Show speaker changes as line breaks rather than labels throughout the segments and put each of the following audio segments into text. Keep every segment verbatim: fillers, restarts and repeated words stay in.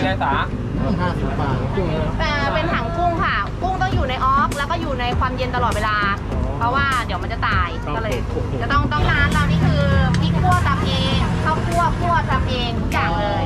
เลยสา
ห้าสิบบาทกุ้ง
เป็นถังกุ้งค่ะกุ้งต้องอยู่ในออกแล้วก็อยู่ในความเย็นตลอดเวลาเพราะว่าเดี๋ยวมันจะตายก็เลยจะต้องต้องร้านเรานี่คือพริกคั่วตำเองข้าวคั่วคั่วตำเองทุกอย่างเลย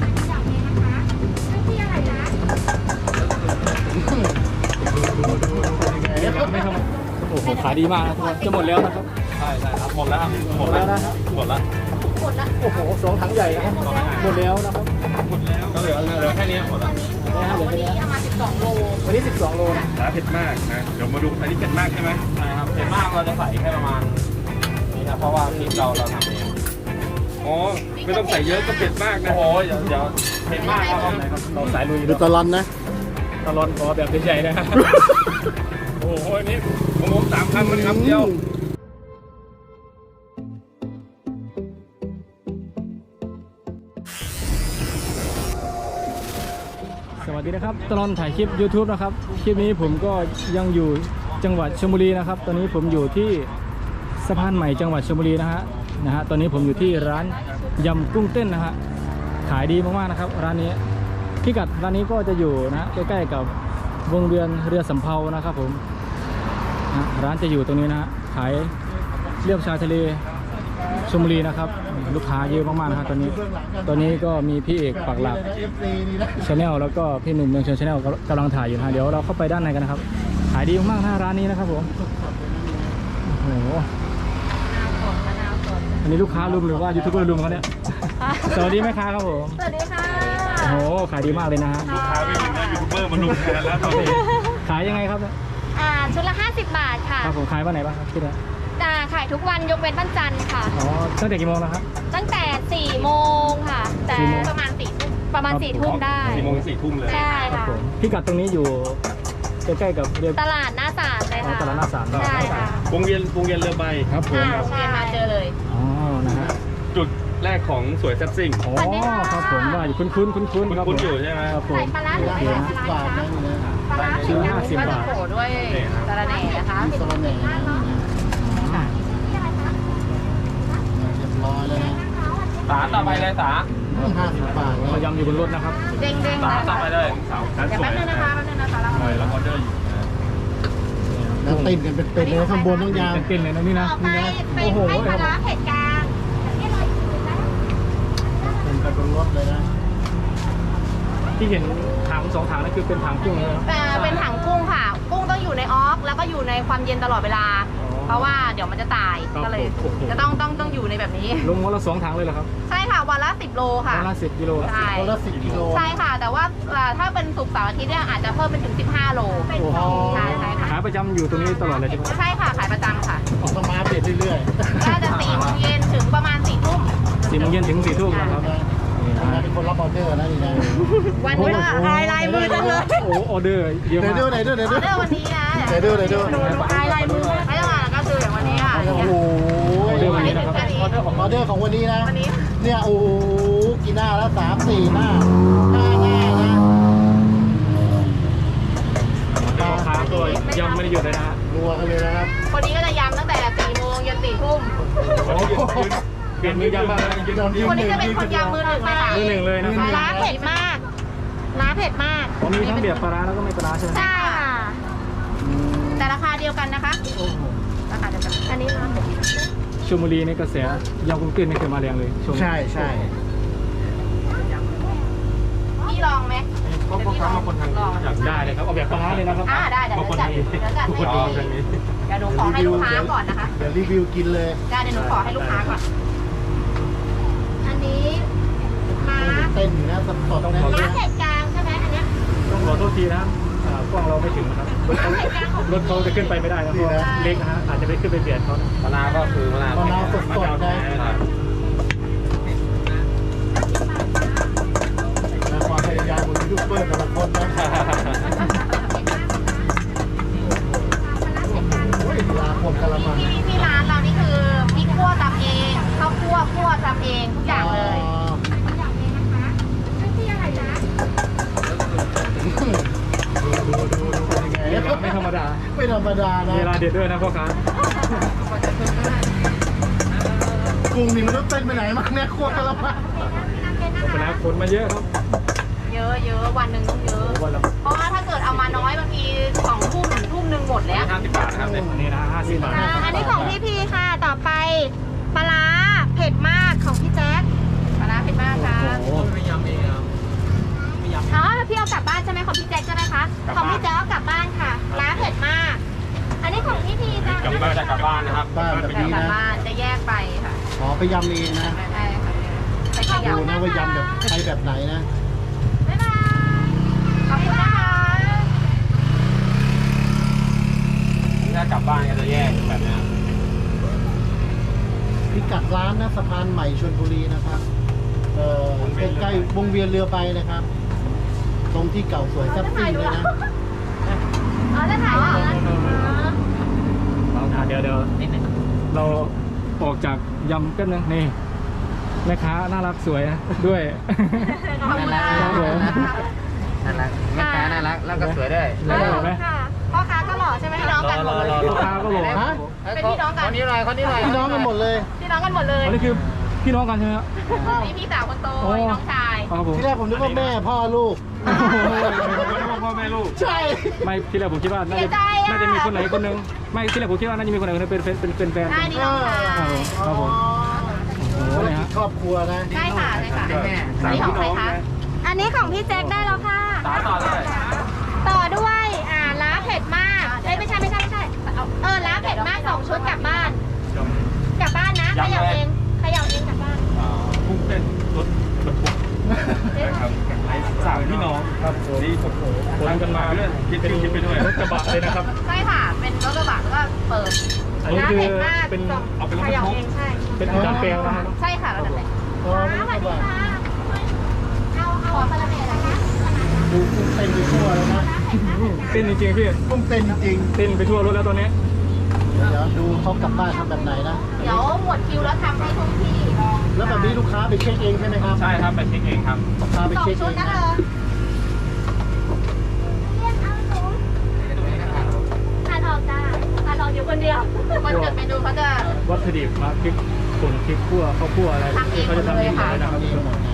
ไม่ทำโอ้โหขายดีมากนะทุกคนจะหมดแล้วนะครับใช่ใช่ครับหมดแล้วครับหมดแล้วนะหมดแล้ว
หมดแล้ว
โอ้โหสองถังใหญ่นะครับหมดแล้วนะครับ
หมดแล้วก็เหลือเหลือแค่นี้หมดแล้ว
วันนี้เอามาสิบสองโล
วันนี้สิบสองโลนะ
แล้วเผ็ดมากนะเดี๋ยวมาดูอันนี้เผ็ดมากใช่ไหมใช่ครับเผ็ดมากเราจะใส่แค่ประมาณนี้ครับเพราะว่าพริกเราเราทำเองอ๋อไม่ต้องใส่เยอะก็เผ็ดมากนะโอ้ยเดี๋ยวเดี๋ยวเผ็ดมากครับเราสายลุย
ดูตะลอนนะ
ตะลอนขอแบบใหญ่ๆนะโอ้โหนี่ของผมสามคำมันคำเดียว
สวัสดีนะครับตลอดถ่ายคลิป ยูทูบ นะครับคลิปนี้ผมก็ยังอยู่จังหวัดชลบุรีนะครับตอนนี้ผมอยู่ที่สะพานใหม่จังหวัดชลบุรีนะฮะนะฮะตอนนี้ผมอยู่ที่ร้านยำกุ้งเต้นนะฮะขายดีมากๆนะครับร้านนี้พิกัดร้านนี้ก็จะอยู่นะใกล้ๆกับวงเวียนเรือสำเภานะครับผมนะร้านจะอยู่ตรงนี้นะฮะขายเรียบชายทะเลชลบุรีนะครับลูกค้าเยอะมากๆนะครับตอนนี้ตอนนี้ก็มีพี่เอกปักหลักชาแนลแล้วก็พี่หนุ่มเมืองชนชาแนลกำลังถ่ายอยู่นะเดี๋ยวเราเข้าไปด้านในกันนะครับขายดีมากๆหน้าร้านนี้นะครับผมโอ้โหอันนี้ลูกค้ารุมหรือว่ายูทูบเบอร์รุมเขาเนี่ยสวัสดีแม่ค้าครับผม
สวัสดีค่ะ
โอ้โหขายดีมากเลยนะฮะ
ลูกค้าไม่ถึงนะยูทูบเบอร์มารุมแทนแล้วตอนนี้
ขายยังไงครับ
อ่าชุดละห้าสิบบาทค่ะ
ครับผมขายวันไหนบ้างครับที่นี่
อ่าขายทุกวันยกเว้นวันจันทร์ค่ะ
อ๋อตั้งแต่กี่โมงนะครับ
ตั้งแต่สี่โมงค่ะแต่ประมาณสี่ทุ่มประมาณสี่ทุ่มได้
สี่โมงสี่ทุ่มเลย
ใช่ค่ะ
พิกัดตรงนี้อยู่ใกล้ๆกับเรือ
ตลาดหน้าศาลเลยค่ะ
ตลาดหน้าศาล
ใช่ค่ะ
วงเวียนวงเวียนเรือใบ
ครับผม
ใช่มาเจอเลย
อ๋อนะฮะ
จุดแรกของสวยแซ่บซิ่ง
อ๋อครับผมว่าอยู่คุ้นๆคุ้นๆครับ
คุ้นอยู่ใช่ไหม
ครับผม
ปลาร้าหรือห้าสิบบาทนะปลาร้า
ชิ้นห้าสิบบาท
ด้วยสาระแหน่นะคะ
สาระแหน่ร้อยเลยนะ
สาต่อไปเลยสา
ห้าสิบบาท
เรายำอยู่บนรถนะครับ
เด้งเด้ง
สาต่อไปเลยสาวสวย
แป๊บนึงนะคะแป๊บนึงนะคะ
แล้วแล้วออเดอร์อยู่
แล้วติดกันเป็นๆเลยข้างบนต้องยาว
เป็นๆเลยนะนี่นะ
นี่นะโอ้โหปลาร้าเผ็ดกลาง
เป็นกันบนรถเลยนะ
ที่เห็นถังสองถังนั่นคือเป็นถังกุ้งเลย
เป็นถังกุ้งค่ะกุ้งต้องอยู่ในออกแล้วก็อยู่ในความเย็นตลอดเวลาเพราะว่าเดี๋ยวมันจะตายก็เลยจะต้องต้องต้องอยู่ในแบบนี้
ลงวันละสองถังเลยเหรอครับ
ใช่ค่ะวันละสิบโลค่ะ
วันละสิบกิโล
ใช่
วันละสิบกิโล
ใช่ค่ะแต่ว่าถ้าเป็นศุกร์เสาร์อาทิตย์เนี่ยอาจจะเพิ่มเป็นถึงสิบห้าโลใช่ใช่ค่ะ
ขายประจำอยู่ตรงนี้ตลอดเลยใช่ไหม
ใช่ค่ะขายประจำค่ะ
ออกมาเปลี่ยนเรื่อย
ๆได้แต่สี่โมงเย็นถึงประมาณสี่ทุ่ม
สี่โมงเย็นถึงสี่ทุ่มนะครับ
เป็นคนรับออเดอร์นะนี่นะ
วันนี้ลายลายมือจังเลย
โอ้ออเดอร์เยอะมาก
เดี๋ยวดูไหนดูไหนดู
ออเดอร์วันนี้นะ
เดี๋ยวดูไหนดู
ลายลายมือไม่ต้องมาก็คืออย่างวันนี้ค่ะ
โอ้โห
ออเดอร์วันนี้นะครับ
ออเดอร์ของออเดอร์ของวันนี้นะเนี่ยโอ้กี่หน้าแล้วสามสี่หน้าห้าหน้านะ
ราคาตัวยำไม่ได้หยุดเลยนะฮะ
รัวกันเลยนะครับ
คนนี้ก็จะยำตั้งแต่สี่โมงยันสี่ทุ่ม
เปลี่ยนมือยำบ้าง
คนนี้จะเป็นคนยำมือหนึ่งเลยค่ะ
มือหนึ่งเลยนะครับ
ร้าเผ็ดมากร้าเผ็ดมาก
ผมมีทั้งเบียร์ปลาร้าแล้วก็ไม่ปลาร้าใช่ไหม
ใช่ค่ะแต่ราคาเดียวกันนะคะราคาเดียวกันอันนี้นะ
ชลบุรีในกระแสยำกุ้งเต้นนี่เคยมาแรงเลย
ใช่ใช่
พี่ลองไหม
ก็ก็ทำมาคนทางอยาก
ได้เลยครับเอาแบบปลาร้าเลยนะครับ
อ่าได้เดี๋ยวจัดเดี๋ยวจัดให้เดี๋ยวหนูขอให้ลูกค้าก่อนนะคะ
เดี๋ยวรีวิวกินเลย
ได้เดี๋ยวหนูขอให้ลูกค้าก่อนอันนี้ม้า
เต้นนะสดสดนะ
ม้าเผ็ดกลางใช่ไหมอันเนี้ย
ต้องขอโทษทีนะกล้องเราไม่ถึงนะครับรถเขาจะขึ้นไปไม่ได้นะเพราะเล็กนะฮะอาจจะไปขึ้นไปเบียดเขา
มะนาวก็คือมะนาว
มะนาวสดสดได้ความพยายามของยูทูบเบอร์แต่ละคนนะลาคนกะละมัง
ที่ที่ร้านเรานี่คือพริกคั่วตำเองข้าวคั่วคั่วตำเองทุกอย่างเลย
ไม่ธรรมดา
ไม่ธรรมดานะ
เวลาเด็ดด้วยนะพ่อค้า
กุ้งนี่มันต้องเต้นไปไหนมากเนี่ยคั่วกะละมัง
ไปแล้วคนมาเยอะครับ
เเยอะเยอะวันหนึ่งต้องเยอะ
วันละ
เพราะว่าถ้าเกิดเอามาน้อยบางทีสองทุ่มถึงทุ่มหนึ่งหมดแล้ว
ห้าสิบบาทนะครับเนี่ย
อันนี้นะห้าสิบบาท
อ่าอันนี้ของพี่พีค่ะ ต่อไปปลาร้าเผ็ดมากของพี่แจ๊คปลาร้าเผ็ดมากค่ะ
โอ้โห
ไม่ยำเองครับไม่ยำ
อ๋อพี่เอากลับบ้านใช่ไหมของพี่แจ๊คใช่ไหมคะ
กลับ
ของ
บ้าน
พี่แจ๊คเอากลับบ้านค่ะร้านเผ็ดมาก อันนี้ของพี่พีจ้ะ
กลับบ้านจะกลับบ้านนะครับ
บ้านแบบ
ก
นี้
ลับ
นะ
บ้านจะแยกไปค่ะ
อ๋อไปยำเองนะ
ใช่ค่ะใส่ขย
ดูนะว่ายำแบบใช้แบบไหนนะ
บ๊ายบายขอบคุณนะคะ
ถ้ากลับบ้านก็จะแยกแบบนี้
พิกัดร้านนะสะพานใหม่ชลบุรีนะครับเอ่อใกล้ๆวงเวียนเรือใบนะครับ ตรงที่เก่าสวยแซ่บซิ่งเลยนะ
อ๋อจะถ่ายเหรอ
อ่ะเดี๋ยวเดี๋ยวเราออกจากยำแป๊บนึงนี่แม่ค้าน่ารักสวยนะด้วย
ขอบคุณค่ะ
ครับผม
น่ารักแม่ค้าน่ารักแล้วก็สวยด้วย
แล้วก็เห็นไหม
ค่ะพ่อค้าก็หล่อใช่ไหมพี่น้องกันหมดเลย
ลูกค้าก็บอก
ฮะ
เป็นพี่น้องกัน
คนนี้หน่อยคนนี้หน่อย
พี่น้องกันหมดเลย
พี่น้องกันหมดเลย
อันนี้คือพี่น้องกันใช่ไหมครับ
นี่พี่สาวคนโต
โอ้
นี่น้องชาย
ครับผม
ที่แรกผมนึกว่าแม่พ่อลูก
พ่อแม่ลูก
ใช่
ไม่ที่แรกผมคิดว่าน่า
เสี
จะ
ยใจอ่ะ
น่าจะมีคนไหนคนหนึงไม่ที่แรกผมคิดว่าน่าจะมีคนไหนคนหนึงเป็นเป็นเป็นเป็นแฟน
ใช่นี่น้องชาย
ครับผม โอ้โห
ธุร
เนี่ย
กิ
ฮะ
จครอบครัวนะ
ใช่ค่ะใช่ค่ะ
แม่
อันนี้ของใครคะ อันนี้ของพี่แจ็คได้แล้วค่ะ
ต่อต่อเลย
ต่อด้วยอ่าล้าเผ็ดมากเอ้ยไม่ใช่ไม่ใช่ไม่ใช่เออล้าเผ็ดมากสองชุดกลับบ้าน กลับบ้านนะเขย่าเองเขย่าเองกลับบ้าน
กุ้งเป็นรถบรรทุกนะครับสามพี่น้องครับนี่ผมทำกันมาเรื่อยคิดคิดไปด้วย
รถกระบะเลยนะครับ
ใช่ค่ะ เป็นรถกระบะแล้วก็เปิด
อันนี้
ล้า
คือ
เผ็ดมาก
เป็น
ส่ง
เอาเป็นรถ
เข
บรร
ย่า
ทุก
เองใช่
เป็นการแปลงนะครับ
ใช่ค่ะเราจะเป็น
อ๋อไม่ใช่ว่า
เอาเอาคาราเมลนะคะ
ดูกุ้งเต้นไปทั่วเลยนะ
เต้นจริงๆพี่
กุ้งเต้นจริง
เต้นไปทั่วรถแล้วตอนนี้
ๆเดี๋ยวดูเขากลับบ้านทำแบบไหนนะ
เดี๋ยวหมดคิวแล้วทำให้ทุกที่
แล้วแบบนี้ลูกค้าไปเช็คเองใช่ไหมครับ
ใช่ครับไปเช็คเองครับ
ลูกค้าไป
สอง
เช็ค
ชุ
เอ
ด
ง
นะ
นะ
เธอเรียกเอาหนูทานออกจ้าทานออกอยู่คนเดียวคนจดเมนูเขาจะ
วัตถุดิบมาพริกป่นพริกขั่วข้าวคั่วอะไร
ทำเอง
เขาจะทำเอง
หมดเลยค่ะ
เลยนะครับ
ทำเองหมดนะ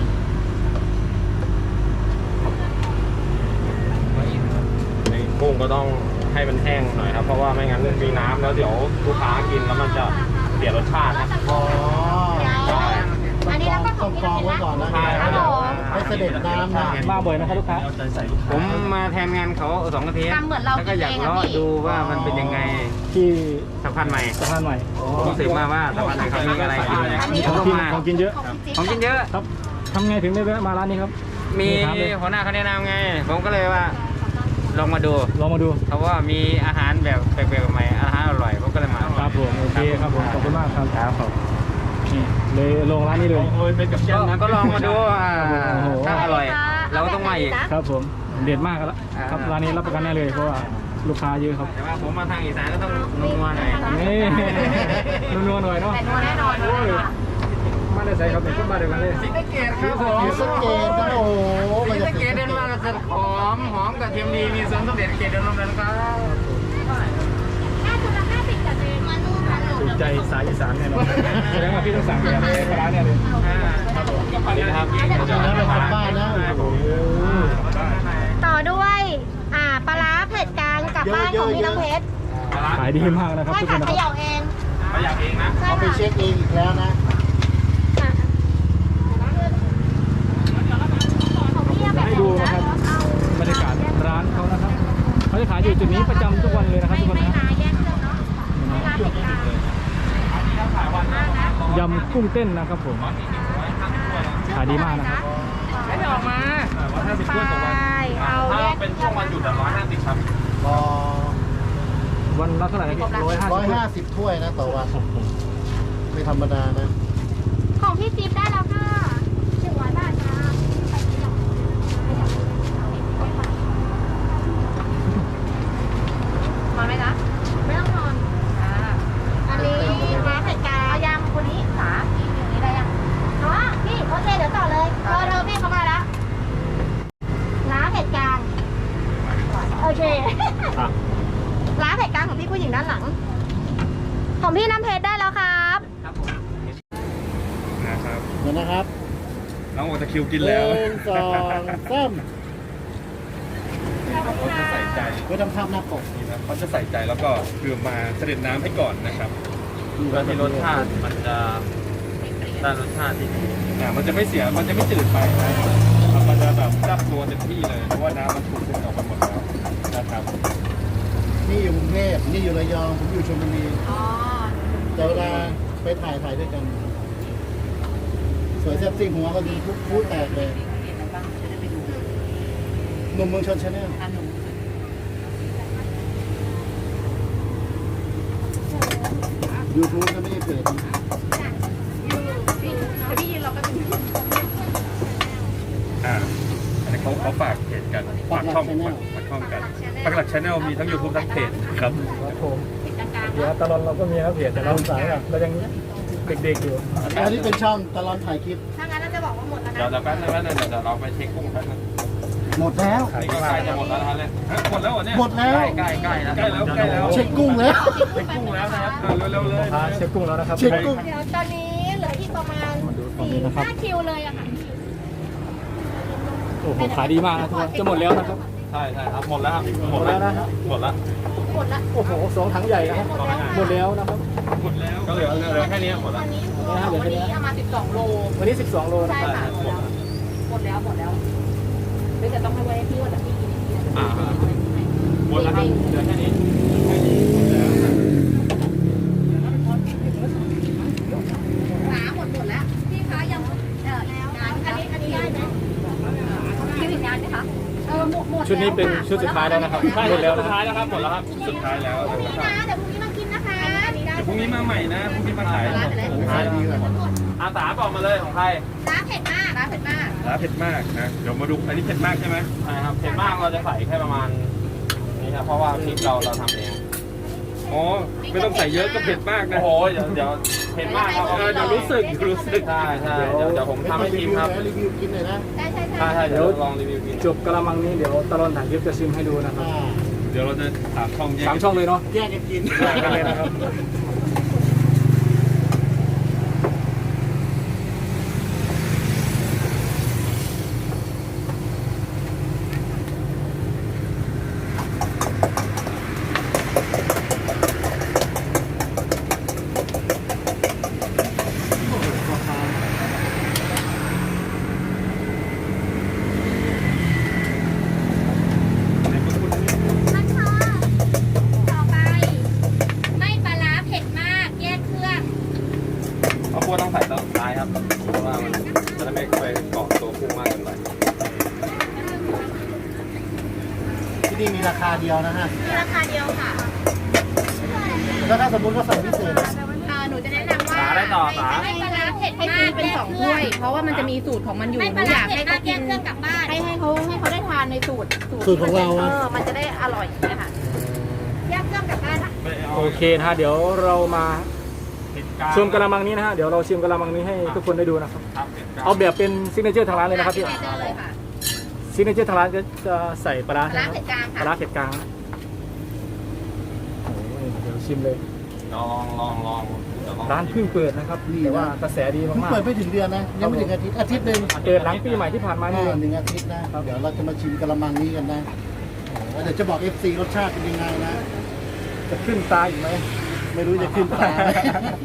กุ้งก็ต้องให้มันแห้งหน่อยครับ เพราะว่าไม่งั้นมีน้ำแล้วเดี๋ยวลูกค้ากินแล้วมันจะเสียรสชาติครับ
อ๋อ
เดี๋ยวอันนี้แล้วก็ข
ต้
อ
อง ง
พี่
กรอง
เห็น
ไว้
นะ
ก่อนนะ
ใช่ครับ
ให้เสด็จน้ำนะ
มาบ่อยนะครับลูกค้า
ผมมาแทนงานเขาสองอาทิตย์
ทำเหมือนเรา
แล้วก็อยาก
กินเอง
เลาะ
อะพี่
ดูว่ามันเป็นยังไง
ที่
สะพานใหม่
สะพานใหม่
ผมรู้สึกมาว่าสะพานใหม่เขามีอะไรกิน
อันนี้
ผม
ของ
ก็
กิน
มา
ของกินเยอะ
ของพี่จิ๊บ
ของกินเยอะ
ครับทำไงถึงได้แวะมาร้านนี้ครับ
มี
ถาเลย
หัวหน้าเขาแนะนำไง ผมก็เลยว่าลองมาดู
ลองมาดู
เขาว่ามีอาหารแบบแปลกๆใหม่อาหารอร่อยผมก็เลยมา
ครับผมโอเคครับผมขอบคุณมากครับครับผมนี่เลยลงร้านนี้เลย
โอ้ยเป็นกับแก้
ก็
มนะ
ก็ลองมาดูอ่า
โอ้โห
ถ้าอร่อย เราก็ต้องมาอีก
ครับผมเด็ดมากแล้วครับร้านนี้รับประกันแน่เลยเพราะว่าลูกค้าเยอะครับ
แต่ว่าผมมาทางอีสานก็ต้องนัวหน่อย
นี่นัวๆหน่อยเนาะ
แต่นัวแน่นอนนัวแน่นอน
มาได้ใส่ครับเป็นคนบ้านเดียวกันเลย
สีสะเกดครับผม
ศรีสะเกดนะโอ้โห
สี
มันจะ
สะเกดเดินมาก็จะหอมหอมกับเทียมดีมีส่วนสมเด็จเกดเดินลงกันครับ
ห้าชุดละห้าสิบจัดเลยมานู่นมาหนู
ถูกใจสายอีสานแน่นอนแสดงว่าพี่ต้องสั่งแบบในร้านเนี่ยเลย
ครับผมอันนี้นะครับ
นะไปทำบ้านนะโอ้โห
ต่อด้วยอ่าปลาร้าเผ็ดกลางกลับบ้านของพี่น้องเพชร
ขายดีมากนะครับ
ใช่
ทุกค
ค่ะ
นนะ
เข
ครับ
ย่าเอง
เขาอยากเองนะ
ใช่
เอาไป
ค่ะ
เช็คเองอีกแล้วนะ
ของพี่แบบ
ให้ดูนะครับบรรยากาศร้านเขานะครับเขาจะขายอยู่จุดนี้ประจำทุกวันเลยนะครับ
ไม่
ทุกคน
ไม่
นะ
นาแยกเครื่องเนาะไม่นาเผ็ดกลาง
ยำกุ้งเต้นนะครับผมขายดีมากนะครับ
ไม่ได้ออกมา
ร้อยห้าสิบถ้วยต่อวัน
เอา
ถ้า
แยก
เป็นช่วงวันหยุดร้อยห้าสิบครับ
อ๋อ
วันละเท่าไหร่นะพี่ร้อยห้า
ร้อย
สิบ
ห้าสิบถ้วยนะต่อวัน ไม่ธรรมดานะ
ของพี่จิ๊บได้แล้วค่ะหนึ่งร้อยบาทค่ะนอนไหมจ๊ะไม่ต้องนอนอ่าอันนี้ร้านเผ็ดกลางเอายำคนนี้สาพี่อย่างนี้ได้ยังอ๋อพี่โอเคเดี๋ยวต่อเลยเออเธอพี่เขามาแล้วร้านเผ็ดกลางโอเค
อ่ะ
ร้านเผ็ดกลางของพี่ผู้หญิงด้านหลัง ของพี่น้ำเพชรได้แล้วครับ
นะครับ
เดี๋ยวนะครับ
น้องบอกจะคิวกิน
ห
แล้ว
นึ่งสองสาม
เขาจะใส่ใจ
ไว้ทำภาพหน้าปก
นี่นะเขาจะใส่ใจแล้วก็คือมาเสด็จน้ำให้ก่อนนะครับเพื่อที่รสชาติมันจะได้รสชาติที่ดีอ่ามันจะไม่เสียมันจะไม่จืดไปนะมันจะแบบจับตัวเต็มที่เลยเพราะว่าน้ำมันถูกดึงออกมาหมดแล้วนะครับ
นี่อยู่กรุงเทพนี่อยู่ระยองผมอยู่ชลบุรี
อ๋อ
แต่เวลาไปถ่ายถ่ายด้วยกัน สวยแซ่บซิ่งหัวก็ดีทุกพูดแตกเลยหนุ่มเมืองชนชาแนลยูทูบก็ไม่ได้เพจ
พี่ยืนเราก็จะ
อ่าอันนี้เขาเขาฝากเพจกันฝากช่องฝากช่องกันปักหลักชาแนลมีทั้ง YouTube ทั้งเพจครับ
ครับผม
ติดกลาง
เดี๋ยวตลอดเราก็มีครับเพจแต่เราสายแบบเรายังเด็กๆอยู่
อันนี้เป็นช่องตลอดถ่ายคลิป
ถ้างั้นเราจะบอกว่าหมดแล้ว
เดี๋ยว
นะ
เดี๋ยวแป๊บนึงแป๊บนึงเดี๋ยวเราไปเช็คกุ้งแป๊บนึง
หมดแล้ว
นี่ก็ใกล้จะหมดแล้วนะครับเนี่ยหมดแล้วเหรอเนี่ย
หมดแล้ว
ใกล้ใกล้ใกล้แล้วใกล้แล้ว
เช็คกุ้งแล้ว
เช็คกุ้งแล้วนะครับเร็วๆเลย
พาเช็คกุ้งแล้วนะครับ
เช็คกุ้ง
เดี๋ยวตอนนี้เหลืออีกประมาณ
มาดูฝั่ง
สี่
นี้นะครับ
ห้าคิวเลยอะค่ะ
โอ้โหขายดีมากนะทุกคนจะหมดแล้วนะครับ
ใช่ใช่ครับหมดแล้วครับ
หมดแล้วนะครับ
หมดแล้ว
หมดละ
โอ้โหสองถังใหญ่นะครับหมดแล้วนะครับ
หมดแล้วก็เหลือเหลือแค่นี้หมด
ต
แล้
อ
วน
นี้คือวันนี้เอามาสิบสองโล
วันนี้สิบสองโลนะ
ใช่
ครับ
ค่ะหมดแล้วหมดแล้วหมดแล้วเดี๋ยวจะต้องให้ไว้ให้พี่ว่าแต่พี่กินอย่างนี้
อ่าหมดแล้วครับเหลือแค่นี้แค่นี้หมดแล้ว
ขาหมดหมดแล้วพี่คะยังเออแล้วอันนี้อันนี้ได้ไหมคิวอีกนานไหมคะเออหมดหมด
ชุดนี้เป็นชุดสุดท้ายแล้วนะครับหมดแล้วนะ
สุด
ค
ท้า
รับ
ยแล้วครับหมดแล้วครับสุดท้ายแล้ว
พรุ่งนี้นะเดี๋ยวพรุ่งนี้มากินนะคะอันนี้ได้
เดี๋ยวพรุ่งนี้มาใหม่นะพรุ่งนี้มาขายสุดท้ายดีเลยอาสาบอกมาเลยของใคร
ร้านเผ็ดมากร้านเผ็ดมาก
ร้านเผ็ดมากนะเดี๋ยวมาดูอันนี้เผ็ดมากใช่ไหมใช่ครับเผ็ดมากเราจะใส่แค่ประมาณนี้ครับเพราะว่าพริกเราเราทำเองอ๋อไม่ต้องใส่เยอะก็เผ็ดมากนะโอ้โหเดี๋ยวเดี๋ยวเผ็ดมากครับเดี๋ยวรู้สึกรู้สึกใช่ใช่เดี๋ยวเดี๋ยวผมทำให้ชิมครับ
รีวิวกินหน่อยนะ
ใช่ใช่
ใช่
ใช่
ใช่เดี๋ยวลองรีวิวกิน
จบกระมังนี้เดี๋ยวตลอดถ่ายคลิปจะชิมให้ดูนะครับ
อ่า
เดี๋ยวเราจะถามช่องแยก
สามช่องเลยเนาะ
แยกกันกิน
แยกกันเลยนะครับ
ท่านคะต่อไป ไม่ปลาร้าเผ็ดมาก แยกเครื่อง
ข้าวคั่วต้องใส่ตอนสุดท้ายครับเพราะว่ามันจะได้ไม่ไปเกาะตัวกุ้งมากเกินไป
ที่นี่มีราคาเดียวนะฮะ
มีราคาเดียวค่ะ
แล้วถ้าสมมติว่าสั่งพิเศษอะ
อ่าหนูจะแนะนำว่า
สาได้ต่อสา
ไม่ปลาร้าเผ็ดมากเป็นสองถ้วย เพราะว่ามันจะมีสูตรของมันอยู่หนูอยากให้เขากินเครื่องกลับบ้านให้ให้เขาให้เขาได้ทานในสูตร
สูตรของเรา
เอ
อะ
อมันจะได้อร่อยนะคะแยกเครื่องกลับบ้าน
โอเคนะฮะเดี๋ยวเรามาชิมกระมังนี้นะฮะเดี๋ยวเราชิมกระมังนี้ให้ทุกคนได้ดูนะครับ เอาแบบเป็นซิกเนเจอร์ทางร้านเลยนะครับพี่
เจอเลยค่ะ
ซิกเนเจอร์ทางร้านจะจะใส่ปลาร้า
ปลา
ใช่
ร้า
ไหม
เผ็ดกลางค่ะ
ปลาร้าเผ็ดกลางนะโอ้ยเดี๋ยวชิมเลย
ลองลองลองเดี๋ยวลอง
ร้านเพิ่งเปิดนะครับแต่ว่ากระแสดี
เพิ่ง
มาก
เปิดไม่ถึงเดือนนะ ยังไม่ถึงอาทิตย์อาทิตย์หนึ่ง
ๆเปิดหลังปีใหม่ที่ผ่านมานี่
อ่า
เอง
หนึ่งอาทิตย์นะ เดี๋ยวเราจะมาชิมกระมังนี้กันนะแล้วเดี๋ยวจะบอก เอฟ ซี รสชาติเป็นยังไงนะ
จะขึ้นตาอีกไหม
ไม่รู้จะขึ้นตาไหม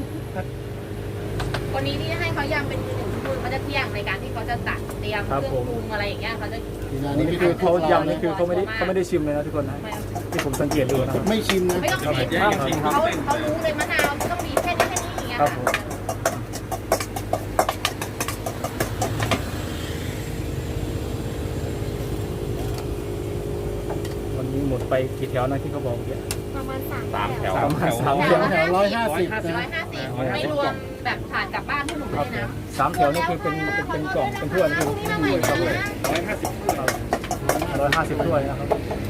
วันนี้ที่ให้เขายำเป็นมือหนึ่งคือเขาจะเที่ยงในการที่เขาจะตัดเตรียมเครื่องปรุงอะไรอย่างเงี้ยเขาจะ
นี่
นี่
นี่
คื
คือ อ
เขา
เขา
ยำนี่คือเขาไม่ได้เขาไม่ได้ชิมเลยนะทุกคนนะที่ผมสังเกตดูนะครับ
ไม่ชิมนะ
ไม่ต้อง
เรา
เผ็
เผ็
ด
ดแยกกันจริงครับ
เขาเขารู้เลยมะนาวต้องมีแค่นี้แค่นี้อย่างเงี้ย
ครับ
ค่ะ
ผมวันนี้หมดไปกี่แถวนะที่เขาบอกเมื่อกี้
ประมาณสาม
สามแถว
สามแถว
สาม
แถ
แถ
ว
ว
แถวร้อยห้าสิบ
ร้อย
นะ
ห้าสิบไม่รวมแบบผ่านกลับบ้านที่หนู
ครั
ไม่
บ
ได้นะ
สามแถวนี่คือเป็นเป็นเป็นกล่องเป็นถ้วยนี่คือ
พรุ่งนี้มาใหม่
ถ้วย
เลย
ครับ
นะ
ร้อยห้าสิบ
ร้อยห้าสิบถ้วยนะครับ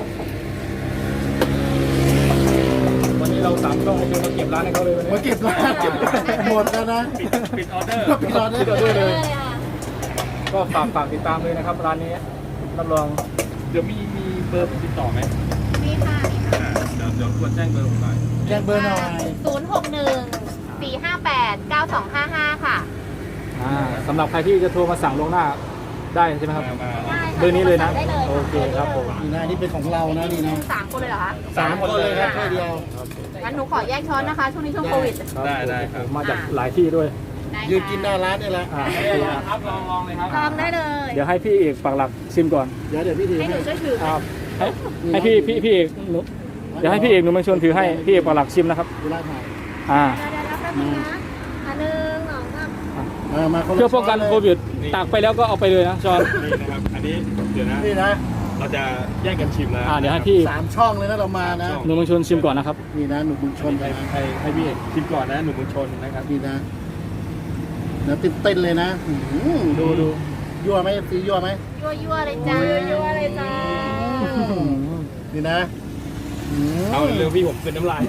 วันนี้เราสามช่องนี่คือมาเก็บร้านให้เขาเลยวันนี้
มาเก็บร้านหมดแล้วนะ
ปิดปิดออเดอร์
ปิดออเดอ
ที่เรา
ร์
ด้วยเลย
เลยอ่ะ
ก็ฝากฝากติดตามเลยนะครับร้านนี้รับรอง
เดี๋ยวมีมีเบอร์ติดต่อไหม
มีค่ะมีค่ะ
อ่าเดี๋ยวเดี๋ยวควรแจ้งเบอร์ผมหน่อย
แจ้งเบอร์หน่อย
ศูนย์หกหนึ่งสี่ห้าแปดเก้าสองห้าห้าค่ะ
อ่าสำหรับใครที่จะโทรมาสั่งล่วงหน้าได้ใช่ไหมครับเบอร์นี้เลยนะ
ได้เลย
โอเคครับผม
นี่นะนี่เป็นของเรานะนี่นะ
สามคนเลยเหรอคะ
สามคนเลยครับแค่เดียว
งั้นหนูขอแยกช้อนนะคะ ช่วงนี้ช่วงโควิด
ได้ได้ครับ
มาจากหลายที่ด้วย
ได้
ยืนกินหน้าร้านนี่แหละ
อ่าโอเคครับ
ครับลองลองเลยครับ
ลองได้เลย
เดี๋ยวให้พี่เอกปักหลักชิมก่อน
เดี๋ยวเดี๋ยวพี่ถือ
ให้ห
ให้
นูช่วยถือไหม
ครับให้ให้พี่พี่พี่เอกหนูเดี๋ยวให้พี่เอกหนูมาชวนถือให้พี่เอกปักหลักชิมนะครับ
เวลาถ่าย
อ่า
เดี๋ยวๆรับแป๊บนึงนะอันหนึ่งสองสาม
เออมาคนละ
เพื่อป้องกัน
ช้
โควิดตากไปแล้วก็เอาไปเลยนะจอน
นี่นะครับ อันนี้เดี๋ยวนะ
นี่นะ
เราจะแยกกันชิมนะ
อ่าเดี๋ยวให้พี่
สามช่องเลยนะเรามานะ
หนูมาชวนชิมก่อนนะครับ
นี่นะหนุ่มบุญชน
ให้ให้ให้พี่เอกชิมก่อนนะหนุ่มบุญชนนะครับ
นี่นะแล้วเต้นเต้นๆเลยนะอื้อหือดูดูยั่วไหมซียั่วไหม
ยั่วยั่วๆเลยจ้ายั่วๆเลยจ้า
นี่นะอื้อ
เอาเร็วพี่ผมเป็นน้ำลาย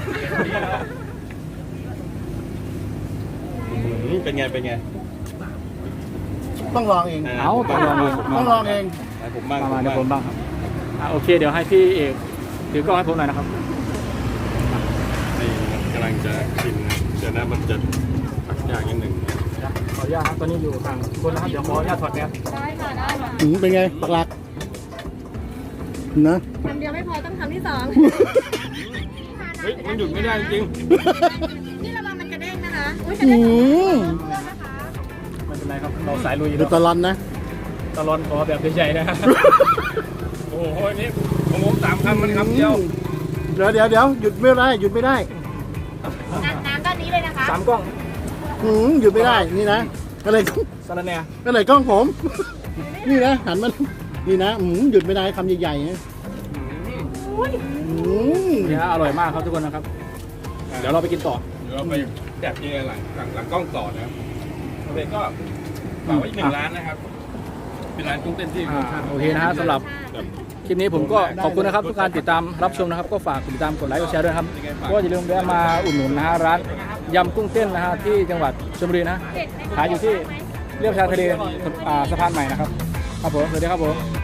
อืมเป็นไงเป็นไง
ต้องลองเอง
เอาต้องลองเอง
ต้องลองเอง
ให้ผมบ้าง
มามา
ผม
เดี๋ยวผม
บ้าง
บ้างครับอ่าโอเคเดี๋ยวให้พี่เอกถือกล้องให้ผมหน่อยนะครับ
นี่กำลังจะชิมนะเดี๋ยวนะมันจะตักยากนิดหนึ่ง
ขออนุญาตครับตอนนี้อยู่ทางคนนะครับเดี๋ยวขออนุญาตถอดแมส
ได้ค่ะได้ค่ะ
หืมเป็นไงปักหลักนะ
คำเดียวไม่พอต้องคำที่สอง
เฮ้ยมันหยุดไม่ได้จริง
นี่ระวังมันกระเด้งนะคะอุ้ยกระ
อื
เด้ง
ม
ไม่เป็นไรครับเราสายลุย
ดูตลอนนะ
ตลอดขอแบบใหญ่ๆนะครับ
โอ้โหนี่ของผมสามคำมันคำเดียว
เดี๋ยวเดี๋ยวเดี๋ยวหยุดไม่ได้หยุดไม่ได้
น้ำน้ำด้านนี้เลยนะคะ
สามกล้อง
หืมหยุดไม่ได้นี่นะอะไร
สารแหน่
อะไรกล้องผม นี่นะหันมันนี่นะหืมหยุดไม่ได้คำใหญ่ๆนะหืม
เนี่ยอร่อยมากครับทุกคนนะครับ เดี๋ยวเราไปกินต่อ
เดี๋ยวเราไปแดบยังไงหลังหลังหลังกล้องต่อนะครับโอเคก็ฝากไว้อีกหนึ่งร้านนะครับ เป็นร้านกุ้งเต้นที่รสชาติ
โอเคนะฮะสำหรับ
แบบ
คลิปนี้ผมก็ขอบคุณนะครับทุกการติดตามรับชมนะครับ ก็ฝากติดตามกดไลค์กดแชร์ด้วยครับก็อย่าลืมแวะมาอุดหนุนนะฮะร้านยำกุ้งเต้นนะฮะที่จังหวัดชลบุรีนะขายอยู่ที่เรียบชายทะเลอ่าสะพานใหม่นะครับครับผมสวัสดีครับผม